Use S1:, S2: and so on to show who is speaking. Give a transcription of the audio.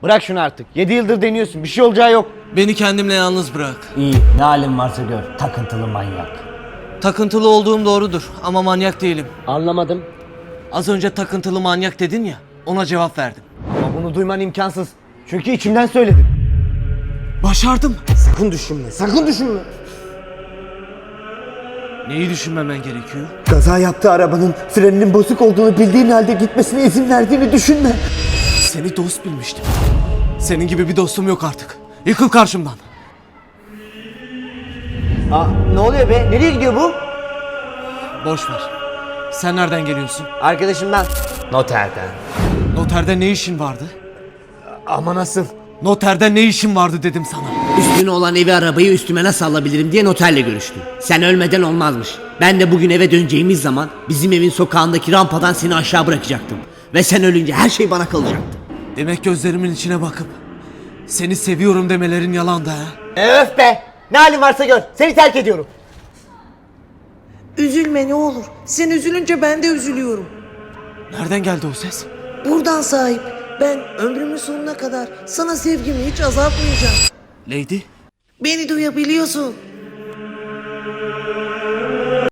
S1: Bırak şunu artık. 7 yıldır deniyorsun. Bir şey olacağı yok.
S2: Beni kendimle yalnız bırak.
S3: İyi, ne halin varsa gör. Takıntılı manyak.
S2: Takıntılı olduğum doğrudur ama manyak değilim.
S1: Anlamadım.
S2: Az önce takıntılı manyak dedin ya, ona cevap verdim.
S1: Ama bunu duyman imkansız. Çünkü içimden söyledim.
S2: Başardım.
S1: Sakın düşünme. Sakın düşünme.
S2: Neyi düşünmemen gerekiyor?
S1: Kaza yaptığı arabanın freninin bozuk olduğunu bildiğin halde gitmesine izin verdiğini düşünme.
S2: Seni dost bilmiştim. Senin gibi bir dostum yok artık. Yıkıl karşımdan.
S1: Aa, ne oluyor be? Nereye gidiyor bu?
S2: Boş ver. Sen nereden geliyorsun?
S1: Arkadaşımdan. Noterden.
S2: Noterde ne işin vardı?
S1: Ama nasıl?
S2: Noterde ne işin vardı dedim sana.
S4: Üstüne olan evi arabayı üstüme nasıl alabilirim diye noterle görüştüm. Sen ölmeden olmazmış. Ben de bugün eve döneceğimiz zaman bizim evin sokağındaki rampadan seni aşağı bırakacaktım. Ve sen ölünce her şey bana kalacaktı.
S2: Demek gözlerimin içine bakıp seni seviyorum demelerin yalandı ha.
S1: Öf be! Ne halin varsa gör. Seni terk ediyorum.
S5: Üzülme ne olur. Sen üzülünce ben de üzülüyorum.
S2: Nereden geldi o ses?
S5: Buradan sahip. Ben ömrümün sonuna kadar sana sevgimi hiç azaltmayacağım.
S2: Lady?
S5: Beni duyabiliyorsun.